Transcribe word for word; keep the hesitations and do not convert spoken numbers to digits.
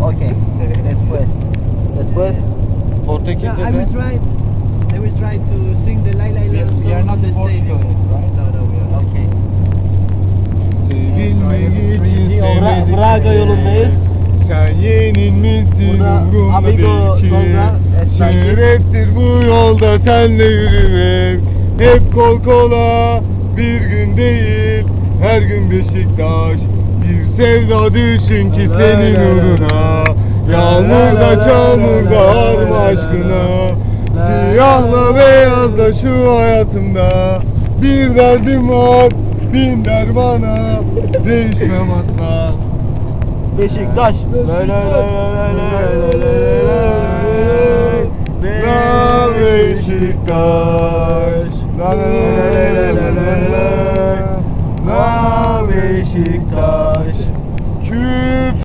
Okay. Después. Después. Yeah, Portekizce I will de try. I will try to sing the La La We- Land we are song not on the stadium. Portugal, No, no, we are not. Okay. sevilmeyi için Bra- sevmedik Braga seni. yolundayız. Sen yenilmişsin Burada umurumda Amigo değil ki. sonra Esnaki. Şereftir bu yolda senle yürümek. Hep kol kola bir gün değil, her gün Beşiktaş. Bir sevda düşün ki senin uğruna. Yağmurda çamurda arma aşkına. Siyahla beyazla şu hayatımda. Bir derdim var, bin dermana. Değişmem asla. Beşiktaş. Lay lay lay lay lay lay lay lay. La Beşiktaş. La la la la la la la la. La Beşiktaş.